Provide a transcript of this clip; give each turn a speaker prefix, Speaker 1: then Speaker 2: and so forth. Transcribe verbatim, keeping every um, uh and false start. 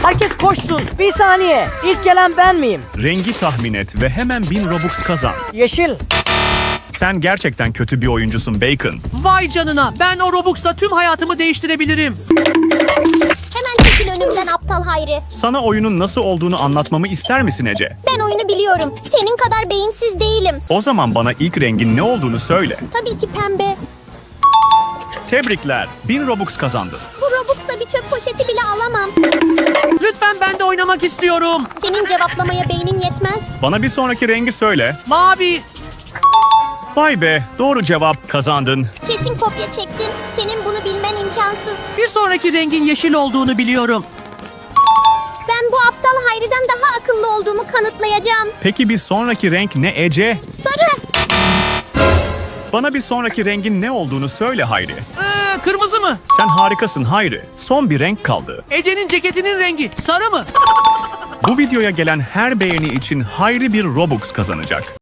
Speaker 1: Herkes koşsun. Bir saniye. İlk gelen ben miyim?
Speaker 2: Rengi tahmin et ve hemen bin Robux kazan.
Speaker 1: Yeşil.
Speaker 2: Sen gerçekten kötü bir oyuncusun Bacon.
Speaker 3: Vay canına, ben o Robux'la tüm hayatımı değiştirebilirim.
Speaker 4: Hemen çekil önümden aptal Hayri.
Speaker 2: Sana oyunun nasıl olduğunu anlatmamı ister misin Ece?
Speaker 4: Ben oyunu biliyorum. Senin kadar beyinsiz değilim.
Speaker 2: O zaman bana ilk rengin ne olduğunu söyle.
Speaker 4: Tabii ki pembe.
Speaker 2: Tebrikler. bin Robux kazandın.
Speaker 4: Bu Robux'la bir çöp poşeti bile alamam.
Speaker 3: Lütfen ben de oynamak istiyorum.
Speaker 4: Senin cevaplamaya beynin yetmez.
Speaker 2: Bana bir sonraki rengi söyle.
Speaker 3: Mavi.
Speaker 2: Vay be, doğru cevap, kazandın.
Speaker 4: Kesin kopya çektin. Senin bunu bilmen imkansız.
Speaker 3: Bir sonraki rengin yeşil olduğunu biliyorum.
Speaker 4: Ben bu aptal Hayri'den daha akıllı olduğumu kanıtlayacağım.
Speaker 2: Peki bir sonraki renk ne Ece?
Speaker 4: Sarı.
Speaker 2: Bana bir sonraki rengin ne olduğunu söyle Hayri.
Speaker 3: Ee, kırmızı mı?
Speaker 2: Sen harikasın Hayri. Son bir renk kaldı.
Speaker 3: Ece'nin ceketinin rengi sarı mı?
Speaker 2: Bu videoya gelen her beğeni için Hayri bir Robux kazanacak.